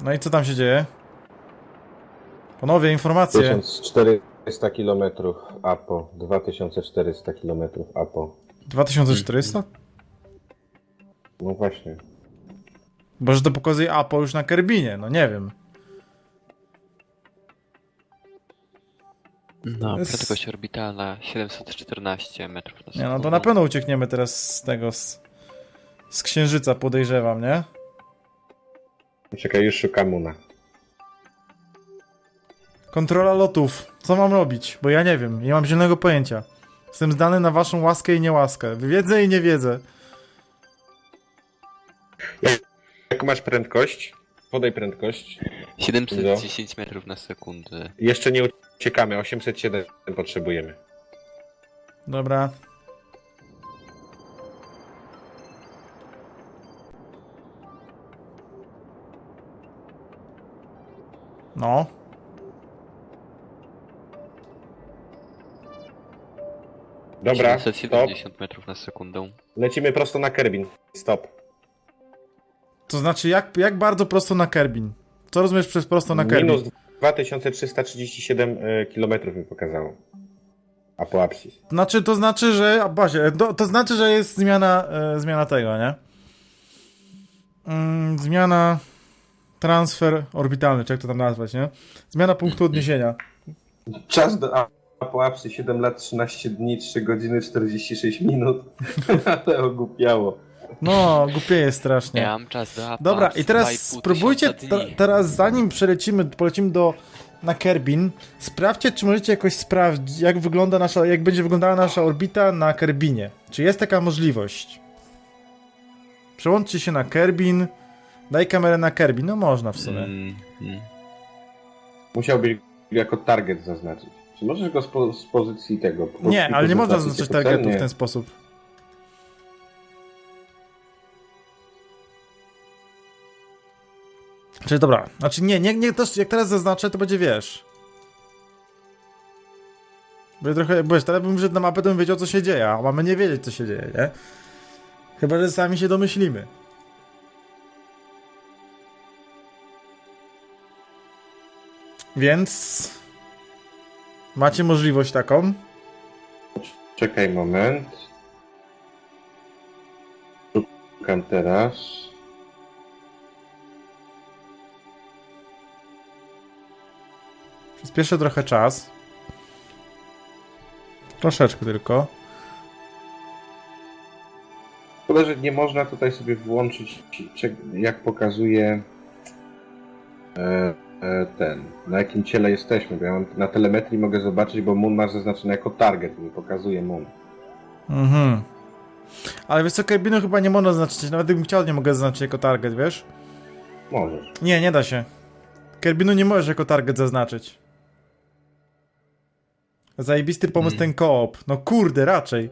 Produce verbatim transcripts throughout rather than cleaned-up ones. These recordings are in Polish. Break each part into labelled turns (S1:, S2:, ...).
S1: No i co tam się dzieje? Panowie, informacje.
S2: tysiąc czterysta kilometrów A P O. dwa tysiące czterysta kilometrów A P O.
S1: dwa tysiące czterysta?
S2: No właśnie.
S1: Bo że to pokazuje A P O już na Kerbinie, no nie wiem.
S3: No,
S1: Jest-
S3: prędkość orbitalna siedemset czternaście metrów na
S1: Nie
S3: sekundę.
S1: no, to na pewno uciekniemy teraz z tego, z, z Księżyca, podejrzewam, nie?
S2: Czekaj, już szukam Muna.
S1: Kontrola lotów. Co mam robić? Bo ja nie wiem, nie mam zielonego pojęcia. Jestem zdany na waszą łaskę i niełaskę. Wiedzę i nie wiedzę.
S2: Jaką masz prędkość? Podaj prędkość.
S3: siedemset dziesięć metrów na sekundę.
S2: Jeszcze nie uciekamy, osiemset siedem potrzebujemy.
S1: Dobra. No.
S2: Dobra,
S3: siedemset
S2: stop.
S3: siedemdziesiąt metrów na sekundę.
S2: Lecimy prosto na Kerbin. Stop.
S1: To znaczy, jak, jak bardzo prosto na Kerbin? Co rozumiesz przez prosto na Kerbin?
S2: Minus dwa tysiące trzysta trzydzieści siedem kilometrów mi pokazało. Apoapsis.
S1: Znaczy, to znaczy, że... A, Basie, to, to znaczy, że jest zmiana, e, zmiana tego, nie? Mm, zmiana... Transfer orbitalny, czy jak to tam nazwać, nie? Zmiana punktu odniesienia.
S2: Czas do Apoapsy siedem lat, trzynaście dni, trzy godziny, czterdzieści sześć minut. Ale ogłupiało.
S1: No, głupieje strasznie.
S3: Ja mam czas do Apoapsy.
S1: Dobra, i teraz
S3: dwa i pół
S1: spróbujcie,
S3: tysiąca
S1: te,
S3: dni.
S1: teraz zanim przelecimy, polecimy do, na Kerbin, sprawdźcie, czy możecie jakoś sprawdzić, jak wygląda nasza, jak będzie wyglądała nasza orbita na Kerbinie. Czy jest taka możliwość? Przełączcie się na Kerbin, daj kamerę na Kerbin, no można w sumie.
S3: Mm, mm.
S2: Musiałbyś jako target zaznaczyć. Czy możesz go z, po, z pozycji tego... po
S1: Nie,
S2: prostu
S1: ale nie można
S2: zaznaczyć
S1: zaznaczyć
S2: jako cel?
S1: targetu w
S2: Nie.
S1: ten sposób. Czyli dobra, znaczy nie, nie, nie, też jak teraz zaznaczę, to będzie, wiesz... Bo ja trochę, bo wiesz, teraz bym wszedł na mapę, to bym wiedział, co się dzieje, a mamy nie wiedzieć, co się dzieje, nie? Chyba, że sami się domyślimy. Więc... Macie możliwość taką.
S2: Czekaj moment. Szukam teraz.
S1: Przyspieszę trochę czas. Troszeczkę tylko.
S2: Szkoda, że nie można tutaj sobie włączyć, czy- jak pokazuje e, e, ten, na jakim ciele jesteśmy, bo ja mam, na telemetrii mogę zobaczyć, bo Moon masz zaznaczony jako target, mi pokazuje Moon.
S1: Mhm. Ale wiesz co, Kerbinu chyba nie można zaznaczyć. Nawet gdybym chciał, nie mogę zaznaczyć jako target, wiesz?
S2: Możesz.
S1: Nie, nie da się. Kerbinu nie możesz jako target zaznaczyć. Zajebisty pomysł
S3: Hmm.
S1: ten koop. No kurde, raczej.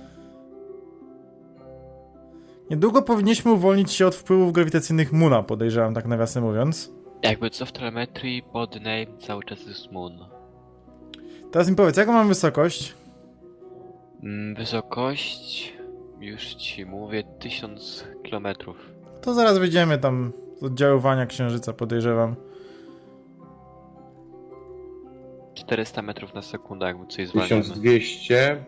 S1: Niedługo powinniśmy uwolnić się od wpływów grawitacyjnych Moona, podejrzewam, tak nawiasem mówiąc.
S3: Jakby co w telemetrii, pod name cały czas jest Moon.
S1: Teraz mi powiedz, jaką mam wysokość?
S3: Mm, Wysokość, już ci mówię, tysiąc kilometrów.
S1: To zaraz wyjdziemy tam z oddziaływania Księżyca, podejrzewam.
S3: czterysta metrów na sekundę, jakby coś
S2: tysiąc
S3: zwalniamy.
S2: dwieście.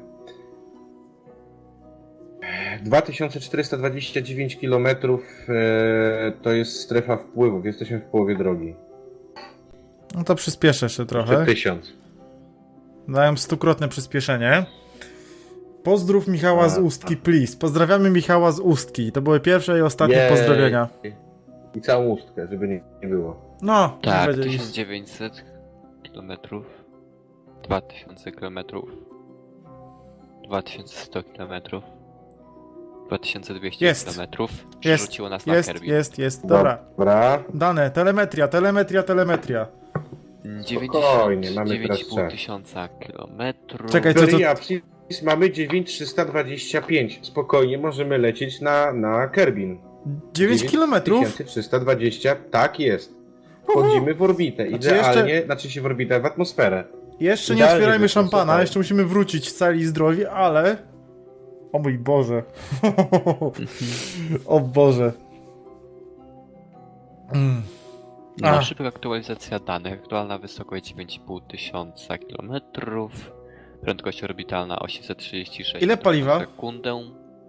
S2: dwa tysiące czterysta dwadzieścia dziewięć kilometrów e, to jest strefa wpływów, jesteśmy w połowie drogi.
S1: No to przyspieszę jeszcze trochę.
S2: Jeszcze tysiąc.
S1: Dałem stukrotne przyspieszenie. Pozdrów Michała z
S2: A.
S1: Ustki, please. Pozdrawiamy Michała z Ustki. To były pierwsze i ostatnie
S2: Jej.
S1: pozdrowienia.
S2: I całą ustkę, żeby nie, nie było.
S1: No,
S3: Tak,
S1: będzie
S3: tysiąc dziewięćset kilometrów, dwa tysiące kilometrów, dwa tysiące sto kilometrów, dwa tysiące dwieście
S1: Jest.
S3: kilometrów.
S1: Jest,
S3: Przerzuciło nas na
S1: jest,
S3: Kerbin.
S1: jest, jest. Dobra.
S2: Dobra.
S1: Dane, telemetria, telemetria, telemetria.
S2: Spokojnie, mamy
S3: dziewięć i
S2: teraz
S3: pół
S2: czas.
S3: tysiąca kilometrów.
S1: Czekaj, co to...
S2: Periapsis mamy dziewięć tysięcy trzysta dwadzieścia pięć. Spokojnie, możemy lecieć na, na Kerbin.
S1: dziewięć kilometrów?
S2: dziewięć tysięcy trzysta dwadzieścia, tak jest. Wchodzimy w orbitę,
S1: Znaczy
S2: idealnie,
S1: jeszcze-
S2: znaczy się w orbitę, w atmosferę.
S1: Jeszcze nie
S2: Idealnie
S1: otwierajmy
S2: wyszło,
S1: szampana,
S2: słuchaj.
S1: jeszcze musimy wrócić cali i zdrowi, ale... O mój Boże. O Boże. Mm.
S3: No,
S1: A.
S3: szybka aktualizacja danych. Aktualna wysokość dziewięć i pół tysiąca kilometrów. Prędkość orbitalna osiemset trzydzieści sześć
S1: Ile
S3: metrów
S1: paliwa?
S3: na sekundę.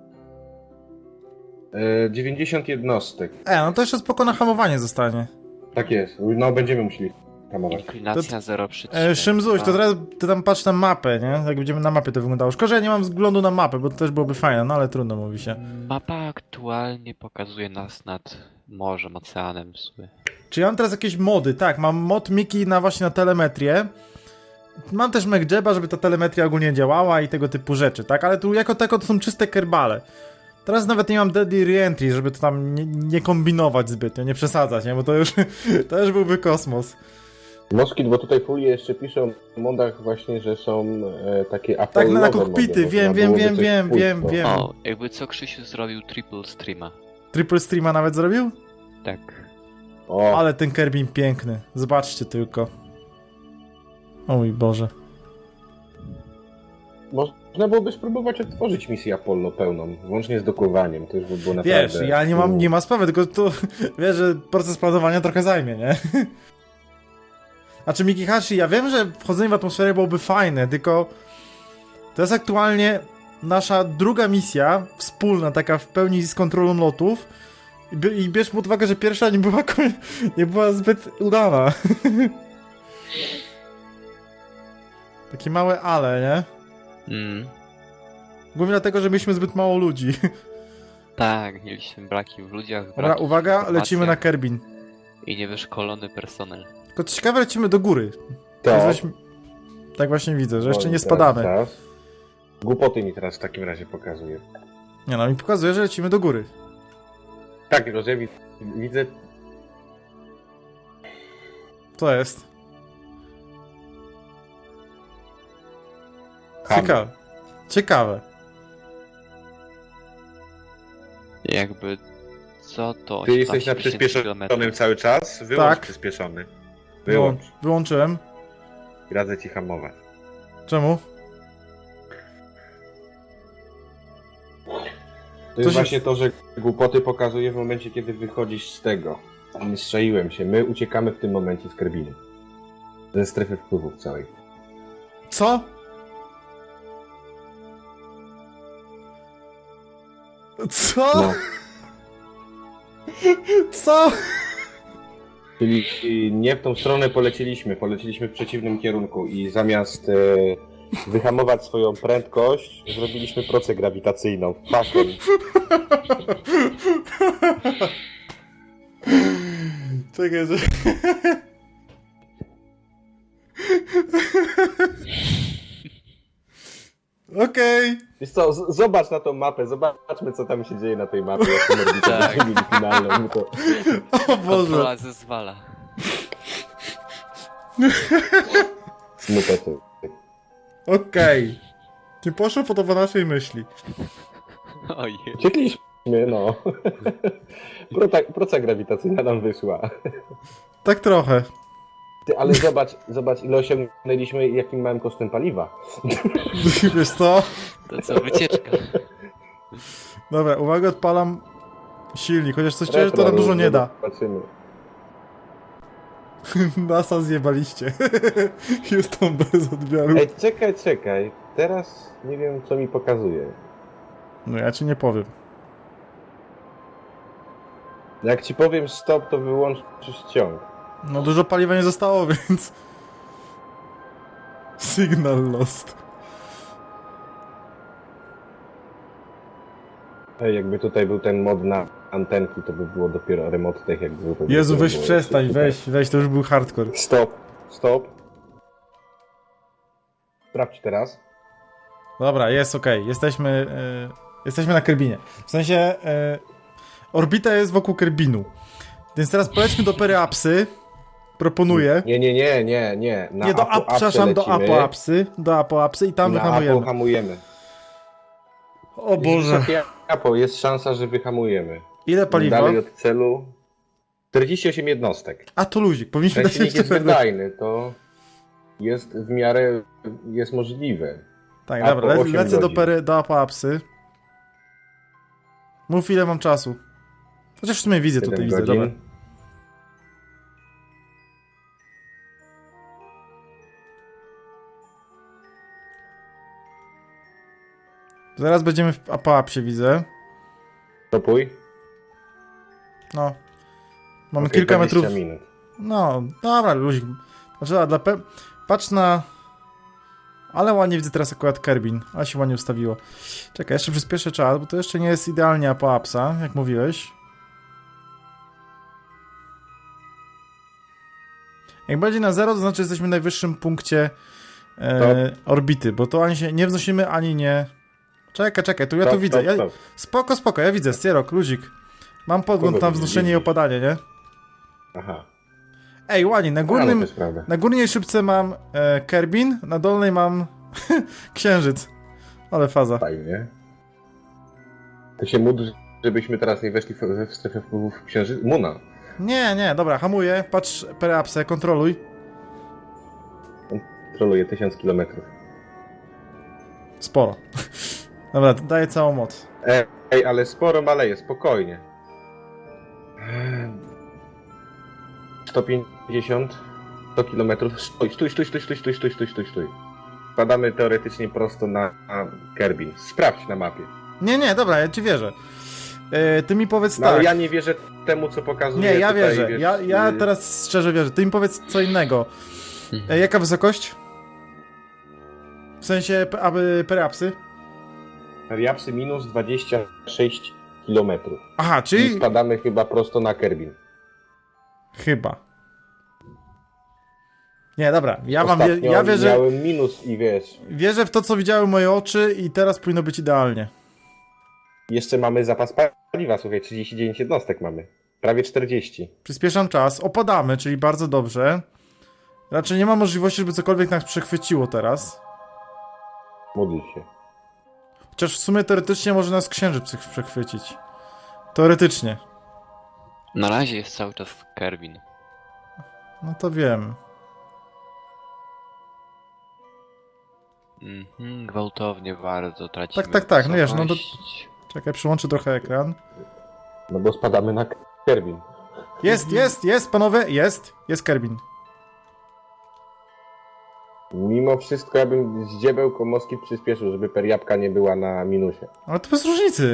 S2: E, dziewięćdziesiąt jednostek.
S1: E, no to jeszcze spoko na hamowanie zostanie.
S2: Tak jest. No będziemy musieli hamować.
S3: Inklinacja zero przecinek dwa.
S1: E, Szymzuś, to teraz ty tam patrz na mapę, nie? Jak będziemy na mapie to wyglądało. Szkoda, że ja nie mam wglądu na mapę, bo to też byłoby fajne, no ale trudno mówi się.
S3: Mapa aktualnie pokazuje nas nad morzem, oceanem w sumie.
S1: Czy ja mam teraz jakieś mody? Tak, mam mod Miki na właśnie na telemetrię. Mam też MacJeba, żeby ta telemetria ogólnie działała i tego typu rzeczy, tak? Ale tu jako tako to są czyste kerbale. Teraz nawet nie mam Deadly Reentry, żeby to tam nie, nie kombinować zbytnio, nie przesadzać, nie? Bo to już, to już byłby kosmos.
S2: Moskit, bo tutaj Fulie jeszcze piszą w modach właśnie, że są e, takie
S1: Tak,
S2: Apollowe
S1: na, na kokpity,
S2: mody,
S1: wiem,
S2: można
S1: wiem,
S2: byłoby
S1: wiem,
S2: coś
S1: wiem,
S2: pójść,
S1: wiem,
S2: no.
S1: wiem.
S3: O, jakby co Krzysiu zrobił triple streama.
S1: Triple Streama nawet zrobił?
S3: Tak.
S2: O,
S1: Ale ten Kerbin piękny, zobaczcie tylko. O mój Boże.
S2: można byłoby spróbować odtworzyć misję Apollo pełną, włącznie z dokowaniem, to już by było naprawdę...
S1: Wiesz, ja nie mam, nie ma sprawy, tylko to, wiesz, że proces planowania trochę zajmie, nie? Znaczy Mikihashi, ja wiem, że wchodzenie w atmosferę byłoby fajne, tylko to jest aktualnie nasza druga misja, wspólna, taka w pełni z kontrolą lotów i, bi- i bierz pod uwagę, że pierwsza nie była, ko- nie była zbyt udana. Takie małe ale, nie?
S3: Mm.
S1: Głównie dlatego, że mieliśmy zbyt mało ludzi.
S3: Tak, mieliśmy braki w ludziach.
S1: Dobra,
S3: braki w
S1: uwaga, lecimy na
S3: informacjach
S1: Kerbin.
S3: I niewyszkolony personel.
S1: Tylko co ciekawe, lecimy do góry.
S2: To...
S1: Żeśmy- Tak właśnie widzę, że jeszcze nie
S2: Teraz-
S1: spadamy.
S2: teraz. Głupoty mi teraz w takim razie pokazuje.
S1: Nie no, mi pokazuje, że lecimy do góry.
S2: Tak, tylko że ja wi- widzę...
S1: To jest.
S2: Chamy.
S1: Ciekawe. Ciekawe.
S3: Jakby co to
S2: Ty jesteś na
S3: osiemnaście tysięcy
S2: przyspieszonym
S3: kilometrów.
S2: cały czas? Wyłącz
S1: Tak.
S2: przyspieszony.
S1: Wyłą-
S2: Wyłącz.
S1: Wyłączyłem.
S2: I radzę ci hamować.
S1: Czemu?
S2: To jest
S1: się-
S2: właśnie to, że głupoty pokazuje w momencie, kiedy wychodzisz z tego. Nie strzeliłem się. My uciekamy w tym momencie z Kerbinu. Ze strefy wpływów całej.
S1: Co? Co?
S2: No.
S1: Co?
S2: Czyli nie w tą stronę poleciliśmy, poleciliśmy w przeciwnym kierunku i zamiast e, wyhamować swoją prędkość, zrobiliśmy procę grawitacyjną. Fakiem.
S1: Czekaj, że... Okej.
S2: Wiesz co, z- zobacz na tą mapę, zobaczmy co tam się dzieje na tej mapie, jak tą orbitę
S3: Tak.
S2: zrobili finalną. No to...
S1: O Boże.
S3: Kontrola zezwala.
S2: Smuteczek.
S1: Okej. Nie poszło po to po naszej myśli.
S3: Ojej.
S2: Uciekliśmy, no. Proca, proca grawitacyjna nam wyszła.
S1: Tak trochę.
S2: Ty, ale zobacz, zobacz ile osiągnęliśmy i jakim małym kosztem paliwa.
S1: Wiesz co?
S3: To co, wycieczka.
S1: Dobra, uwaga, odpalam silnik, chociaż coś czuję, że to
S2: Retro,
S1: nam dużo nie da.
S2: Zobaczymy.
S1: NASA zjebaliście. Houston bez odbioru.
S2: Ej, czekaj, czekaj. Teraz nie wiem co mi pokazuje.
S1: No ja ci nie powiem.
S2: Jak ci powiem stop, to wyłączysz ciąg.
S1: No dużo paliwa nie zostało, więc... Signal lost.
S2: Ej, jakby tutaj był ten mod na antenki, to by było dopiero remote tech, jakby był to
S1: Jezu,
S2: dopiero
S1: weź
S2: było
S1: przestań,
S2: super.
S1: weź, weź, to już był hardcore.
S2: Stop, stop. Sprawdź teraz.
S1: Dobra, jest okej, jesteśmy... E, jesteśmy na Kerbinie. W sensie... E, orbita jest wokół Kerbinu. Więc teraz polećmy do Periapsy. Proponuję.
S2: Nie, nie, nie, nie, nie. Na
S1: Nie, do
S2: Apo-
S1: Ap, przepraszam, do
S2: lecimy.
S1: Apoapsy. Do Apoapsy i tam
S2: Na
S1: wyhamujemy.
S2: Apo hamujemy.
S1: O Boże.
S2: Wysokie Apo, jest szansa, że wyhamujemy.
S1: Ile paliwa?
S2: Dalej od celu. czterdzieści osiem jednostek.
S1: A to luzik, powinniśmy
S2: Ten
S1: dać
S2: silnik
S1: jeszcze
S2: jest
S1: pewne.
S2: wydajny, to jest w miarę, jest możliwe.
S1: Tak,
S2: A
S1: dobra,
S2: po
S1: le,
S2: osiem
S1: lecę do,
S2: godzin.
S1: pery, do Apoapsy. Mów ile mam czasu. Chociaż w sumie widzę
S2: siedem
S1: tutaj, widzę,
S2: godzin.
S1: dobra. Zaraz będziemy w Apoapsie, widzę.
S2: Stopuj.
S1: No. Mamy
S2: Okej,
S1: kilka
S2: dwadzieścia
S1: metrów.
S2: minut.
S1: No, dobra, luzik. Znaczy, a dla pe... Patrz na... Ale ładnie widzę teraz akurat Kerbin. Ale się ładnie ustawiło. Czekaj, jeszcze przyspieszę czas, bo to jeszcze nie jest idealnie Apoapsa, jak mówiłeś. Jak będzie na zero, to znaczy, że jesteśmy w najwyższym punkcie e, orbity, bo to ani się nie wznosimy, ani nie... Czekaj, czekaj, tu ja
S2: Stop,
S1: tu widzę.
S2: stop,
S1: Ja...
S2: stop.
S1: Spoko, spoko, ja widzę, Sierok, luzik. Mam podgląd
S2: Kogo
S1: na
S2: widzisz?
S1: wznoszenie i opadanie, nie?
S2: Aha.
S1: Ej, ładnie, na
S2: No,
S1: górnym...
S2: to jest prawda.
S1: Na górnej szybce mam e, Kerbin, na dolnej mam Księżyc. Ale faza.
S2: Fajnie. To się módl, żebyśmy teraz nie weszli w, w strefę wpływów księżyca. Muna.
S1: Nie, nie, dobra, hamuję, patrz perapsę, kontroluj.
S2: Troluje tysiąc kilometrów.
S1: Sporo. Dobra, daję całą moc.
S2: Ej, ej, ale sporo maleje, spokojnie. sto pięćdziesiąt, sto kilometrów. Stój, stój, stój, stój, stój, stój, stój, stój, stój, stój. Spadamy teoretycznie prosto na, na Kerbin. Sprawdź na mapie.
S1: Nie, nie, dobra, ja ci wierzę. E, ty mi powiedz
S2: No ale
S1: tak.
S2: ja nie wierzę temu, co pokazuje.
S1: Nie, ja
S2: tutaj,
S1: wierzę.
S2: wiesz,
S1: Ja, ja
S2: y,
S1: teraz szczerze wierzę. Ty mi powiedz co innego. E, jaka wysokość? W sensie, p- aby perapsy?
S2: Periapsy minus dwadzieścia sześć kilometrów.
S1: Aha,
S2: I
S1: czyli...
S2: spadamy chyba prosto na Kerbin.
S1: Chyba. Nie, dobra, ja wam wie,
S2: Ostatnio
S1: ja wierzę,
S2: miałem minus i wiesz,
S1: wierzę w to, co widziały moje oczy i teraz powinno być idealnie.
S2: jeszcze mamy zapas paliwa, słuchaj, trzydzieści dziewięć jednostek mamy. Prawie czterdzieści.
S1: Przyspieszam czas, opadamy, czyli bardzo dobrze. Raczej nie ma możliwości, żeby cokolwiek nas przechwyciło teraz.
S2: Módl się.
S1: Chociaż w sumie teoretycznie może nas księżyc przech- przechwycić. Teoretycznie.
S3: Na razie jest cały czas Kerbin.
S1: No to wiem.
S3: Mhm, gwałtownie bardzo tracimy
S1: Tak, tak, tak, no wiesz, no to-
S3: wysokość.
S1: Czekaj, przyłączę trochę ekran.
S2: No bo spadamy na Kerbin.
S1: Jest, jest, jest, panowie, jest. Jest Kerbin.
S2: Mimo wszystko ja bym z dziebełko moski przyspieszył, żeby periapka nie była na minusie.
S1: Ale to bez różnicy.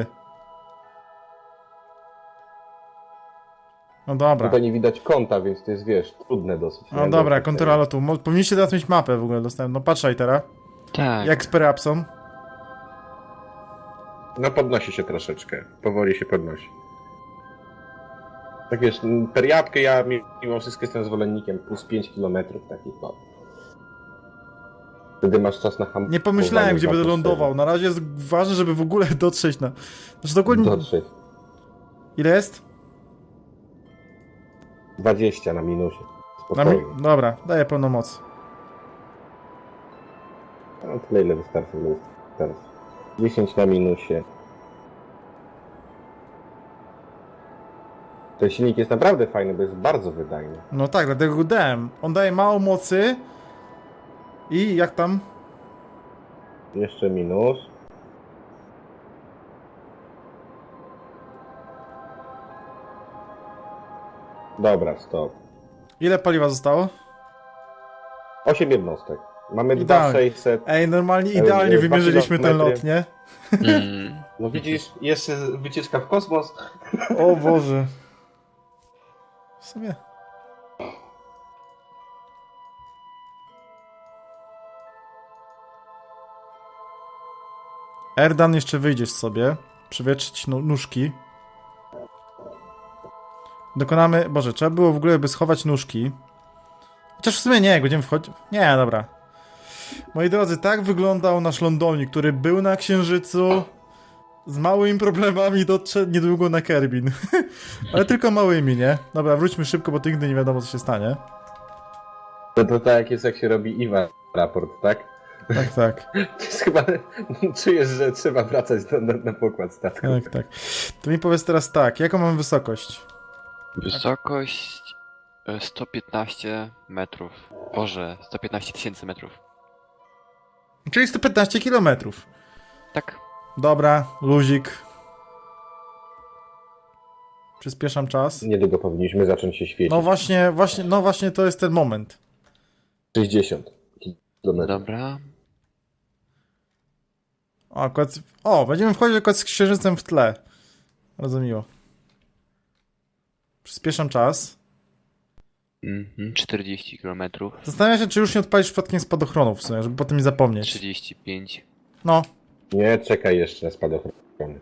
S1: No dobra.
S2: Tutaj nie widać kąta, więc to jest, wiesz, trudne dosyć.
S1: No
S2: nie?
S1: dobra,
S2: Do-
S1: kontrola lotu. Mo- Powinniście teraz mieć mapę w ogóle dostępną. No patrzaj teraz.
S3: Tak.
S1: Jak z perapsą.
S2: No podnosi się troszeczkę. Powoli się podnosi. Tak wiesz, periapkę ja mimo wszystko jestem zwolennikiem plus pięć kilometrów takich, no. Wtedy masz czas na hamowanie.
S1: Nie pomyślałem, gdzie
S2: w
S1: będę
S2: atmosferze.
S1: lądował. Na razie jest ważne, żeby w ogóle dotrzeć na... Znaczy dokładnie...
S2: Dotrzeć.
S1: Ile jest?
S2: dwadzieścia na minusie.
S1: Na mi...
S2: Spokojnie.
S1: Dobra, daję pełną moc.
S2: No tyle ile wystarczy, ile wystarczy. dziesięć na minusie. Ten silnik jest naprawdę fajny, bo jest bardzo wydajny.
S1: No tak, dlatego go dałem. On daje mało mocy. I jak tam?
S2: Jeszcze minus. Dobra, stop.
S1: Ile paliwa zostało?
S2: osiem jednostek. Mamy
S1: Idealnie.
S2: dwa tysiące sześćset.
S1: Ej, normalnie
S2: Ej,
S1: idealnie
S2: dwa
S1: wymierzyliśmy ten
S2: kilometry.
S1: lot, nie?
S3: Mm.
S2: No widzisz, jeszcze wycieczka w kosmos.
S1: O Boże. W sumie... Erdan, jeszcze wyjdziesz sobie. Przywietrzyć no, nóżki. Dokonamy... Boże, trzeba było w ogóle by schować nóżki. Chociaż w sumie nie, jak będziemy wchodzić... Nie, dobra. Moi drodzy, tak wyglądał nasz lądownik, który był na Księżycu. Z małymi problemami dotrze niedługo na Kerbin. Ale tylko małymi, nie? Dobra, wróćmy szybko, bo to nigdy nie wiadomo, co się stanie.
S2: To, to tak jak jest, jak się robi I W A raport, tak?
S1: Tak, tak.
S2: To jest chyba... Czujesz, że trzeba wracać na, na, na pokład statku.
S1: Tak, tak. To mi powiedz teraz tak, jaką mam wysokość?
S3: Wysokość e, sto piętnaście metrów. Boże, sto piętnaście tysięcy metrów.
S1: Czyli sto piętnaście kilometrów.
S3: Tak.
S1: Dobra, luzik. Przyspieszam czas.
S2: Niedługo powinniśmy zacząć się świecić.
S1: No właśnie, właśnie, no właśnie to jest ten moment.
S2: sześćdziesiąt kilometrów.
S3: Dobra.
S1: O, akurat... o, będziemy wchodzić akurat z księżycem w tle. Bardzo miło. Przyspieszam czas.
S3: Mhm, czterdzieści kilometrów.
S1: Zastanawiam się, czy już nie odpalisz przypadkiem spadochronów w sumie, żeby potem nie zapomnieć.
S3: trzydzieści pięć.
S1: No.
S2: Nie, czekaj jeszcze na spadochrony.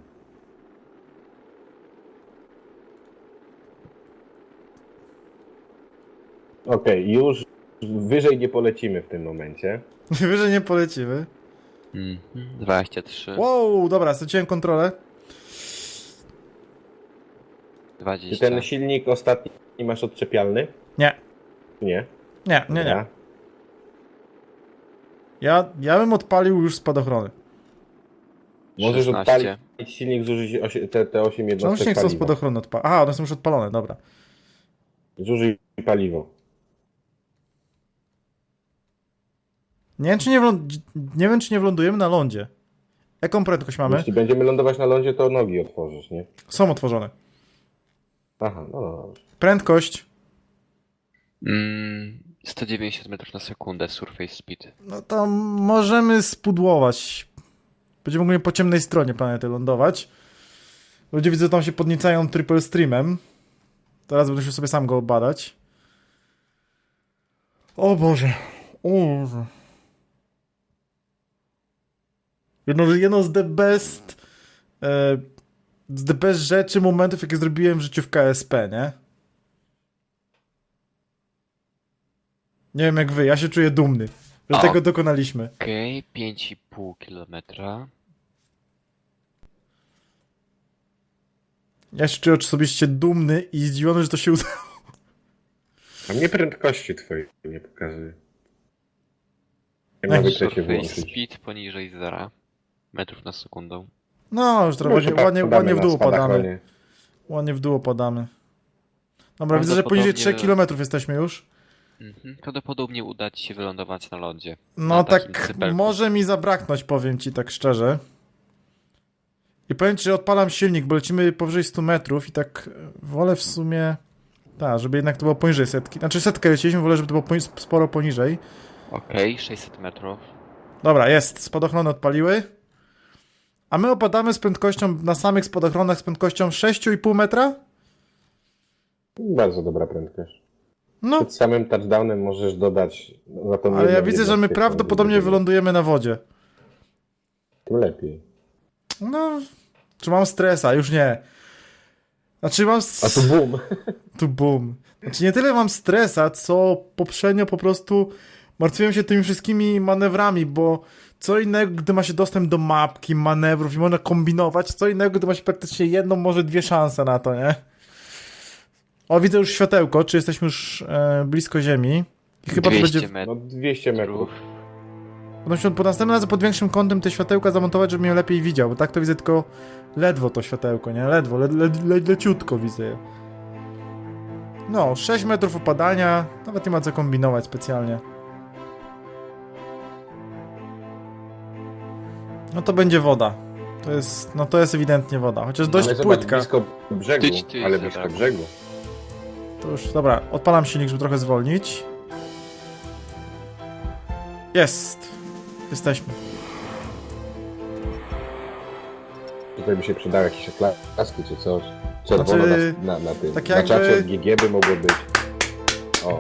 S2: Okej, już wyżej nie polecimy w tym momencie.
S1: Wyżej nie polecimy.
S3: Mhm, dwadzieścia trzy.
S1: Wow, dobra, straciłem kontrolę.
S2: Czy
S3: dwadzieścia.
S2: ten silnik ostatni masz odczepialny?
S1: Nie,
S2: Nie.
S1: nie, nie, nie.
S2: Dobra.
S1: Ja, ja bym odpalił już spadochrony.
S2: Możesz
S3: szesnaście.
S2: odpalić silnik, zużyć osi- te, te osiem
S1: Czemu się
S2: jednostek
S1: nie chcą
S2: paliwa.
S1: spadochrony odpalić? Aha, one są już odpalone, dobra.
S2: Zużyj paliwo.
S1: Nie wiem, czy nie, wlą- nie wiem, czy nie wlądujemy na lądzie. Jaką prędkość mamy?
S2: Jeśli będziemy lądować na lądzie, to nogi otworzysz, nie?
S1: Są otworzone.
S2: Aha, no dobrze.
S1: Prędkość.
S3: Mm, sto dziewięćdziesiąt metrów na sekundę surface speed.
S1: No to możemy spudłować. Będziemy ogólnie po ciemnej stronie planety lądować. Ludzie widzę, że tam się podniecają triple streamem. Teraz będę się sobie sam go badać. O Boże. O Boże. Jedno, jedno z the best e, z the best rzeczy, momentów, jakie zrobiłem w życiu w K S P, nie? Nie wiem jak wy, ja się czuję dumny, że
S3: O.
S1: tego dokonaliśmy.
S3: Okej, pięć i pół kilometra.
S1: Ja się czuję osobiście dumny i zdziwiony, że to się udało.
S2: A mnie prędkości twojej nie pokazuje. Ja
S1: Jak
S2: na wykresie
S3: Surface
S2: wyłączyć.
S3: speed poniżej zera metrów na sekundę.
S1: No, już trochę
S2: Może
S1: ładnie, ładnie,
S2: podamy
S1: ładnie w
S2: na
S1: dół opadamy.
S2: spadochronie.
S1: Ładnie w dół opadamy. Dobra, widzę, że poniżej trzech kilometrów jesteśmy już.
S3: Mhm. Prawdopodobnie uda ci się wylądować na lądzie.
S1: No
S3: Na takim
S1: tak,
S3: cypelku.
S1: może mi zabraknąć, powiem ci tak szczerze. I powiem ci, że odpalam silnik, bo lecimy powyżej stu metrów i tak e, wolę w sumie... Tak, żeby jednak to było poniżej setki. Znaczy setkę leciliśmy, wolę, żeby to było poni- sporo poniżej.
S3: Okej, sześćset metrów.
S1: Dobra, jest. Spadochrony odpaliły. A my opadamy z prędkością, na samych spadochronach z prędkością sześć i pół metra?
S2: Bardzo dobra prędkość.
S1: No,
S2: Przed samym touchdownem możesz dodać za to.
S1: ale ja widzę, że my prawdopodobnie wylądujemy na wodzie.
S2: Tym lepiej.
S1: No, czy mam stresa? Już nie. Znaczy mam...
S2: A tu boom.
S1: Tu boom. Znaczy nie tyle mam stresa, co poprzednio po prostu martwiłem się tymi wszystkimi manewrami, bo co innego, gdy ma się dostęp do mapki, manewrów i można kombinować, co innego, gdy ma się praktycznie jedną, może dwie szanse na to, nie? O, widzę już światełko, czy jesteśmy już e, blisko Ziemi. I chyba to
S3: dwieście
S1: będzie...
S2: No
S3: metrów.
S2: dwieście metrów.
S1: Będę się po następnym razem pod większym kątem te światełka zamontować, żebym je lepiej widział, bo tak to widzę tylko ledwo to światełko, nie? Ledwo, le, le, le, leciutko widzę je. No, sześć metrów opadania, nawet nie ma co kombinować specjalnie. No to będzie woda. To jest, no to jest ewidentnie woda, chociaż dość
S2: Ale zobacz,
S1: płytka.
S2: blisko brzegu,
S3: Tyć, tyć,
S2: ale
S3: dobra.
S2: blisko brzegu.
S1: To już, dobra, odpalam silnik, żeby trochę zwolnić. Jest. Jesteśmy.
S2: Tutaj by się przydały jakieś klaski czy coś. Czerwono
S1: Znaczy,
S2: na, na, na tym.
S1: tak
S2: Na
S1: jakby-
S2: czacie od G G by mogło być. O.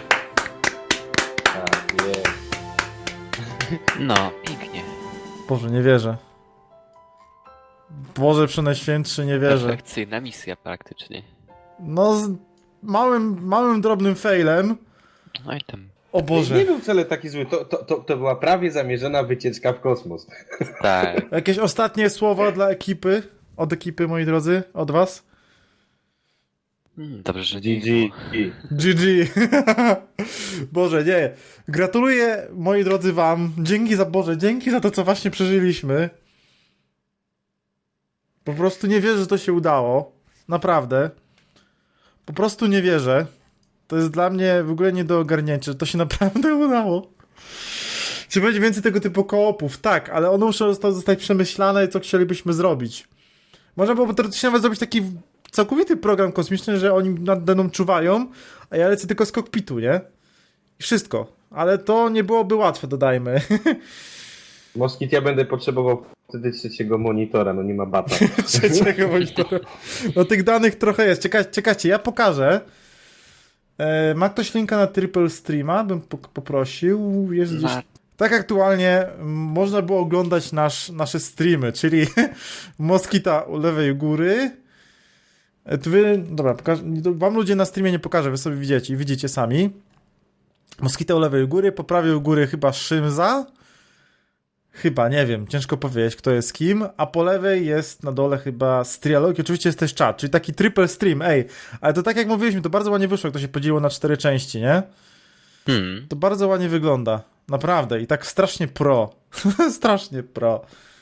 S2: Tak, jest.
S3: No, pięknie.
S1: Boże, nie wierzę. Boże Przenajświętszy, nie wierzę.
S3: Perfekcyjna misja praktycznie.
S1: No, z małym, małym, drobnym failem.
S3: No i tam.
S1: O
S2: Nie
S1: Boże.
S2: był wcale taki zły. To, to, to, to była prawie zamierzona wycieczka w kosmos.
S3: Tak.
S1: Jakieś ostatnie słowa dla ekipy? Od ekipy, moi drodzy? Od was?
S3: Mm, Dobrze, że
S2: G
S3: nie
S2: G.
S1: G G. Boże, nie. Gratuluję, moi drodzy, wam. Dzięki za, Boże, dzięki za to, co właśnie przeżyliśmy. Po prostu nie wierzę, że to się udało. Naprawdę. Po prostu nie wierzę. To jest dla mnie w ogóle nie do ogarnięcia, że to się naprawdę udało. Czy będzie więcej tego typu koopów? Tak, ale one muszą zostać, zostać przemyślane, co chcielibyśmy zrobić. Można byłoby teoretycznie nawet zrobić taki całkowity program kosmiczny, że oni nade mną czuwają, a ja lecę tylko z kokpitu, nie? I wszystko. Ale to nie byłoby łatwe, dodajmy.
S2: Moskit, ja będę potrzebował wtedy trzeciego monitora, no nie ma bata.
S1: Trzeciego monitora. No tych danych trochę jest. Czekaj, czekajcie, ja pokażę. E, ma ktoś linka na Triple Streama? Bym po poprosił. Jest gdzieś...
S3: Ma-
S1: Tak aktualnie m, można było oglądać nasz, nasze streamy, czyli Moskita u lewej góry. E, tu wy, dobra, pokaż, wam ludzie na streamie nie pokażę, wy sobie widzicie, widzicie sami. Moskita u lewej góry, po prawej u góry chyba Szymza. Chyba, nie wiem, ciężko powiedzieć, kto jest kim, a po lewej jest na dole chyba Strialog i oczywiście jest też czat, czyli taki triple stream, ej, ale to tak jak mówiliśmy, to bardzo ładnie wyszło, jak to się podzieliło na cztery części, nie?
S3: Hmm.
S1: To bardzo ładnie wygląda, naprawdę, i tak strasznie pro, strasznie pro.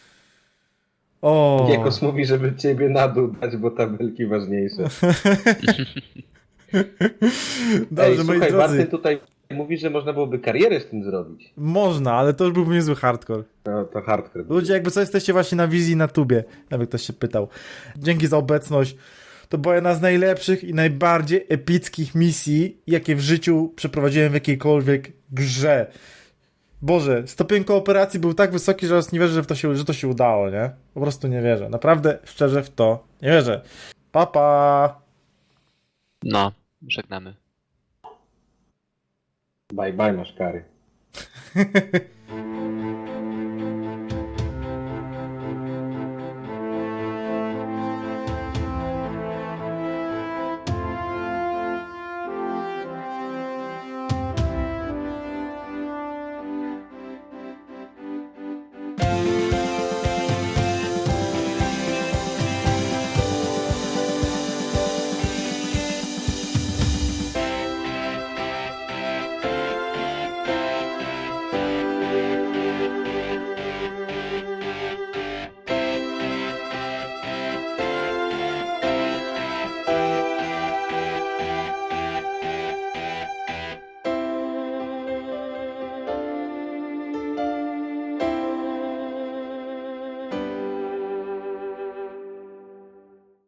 S1: O.
S2: Giekos mówi, żeby ciebie na dół dać, bo tabelki ważniejsze.
S1: Dobrze,
S2: Ej,
S1: moi
S2: słuchaj,
S1: drodzy,
S2: Martin tutaj mówi, że można byłoby karierę z tym zrobić.
S1: można, ale to już byłby niezły hardcore.
S2: No to hardcore.
S1: Ludzie, jakby co, jesteście właśnie na wizji na tubie, jakby ktoś się pytał. Dzięki za obecność. To była jedna z najlepszych i najbardziej epickich misji, jakie w życiu przeprowadziłem w jakiejkolwiek grze. Boże, stopień kooperacji był tak wysoki, że aż nie wierzę, że, w to się, że to się udało, nie? Po prostu nie wierzę. Naprawdę, szczerze w to nie wierzę. Pa, pa!
S3: No, żegnamy.
S2: Bye bye, masz kary.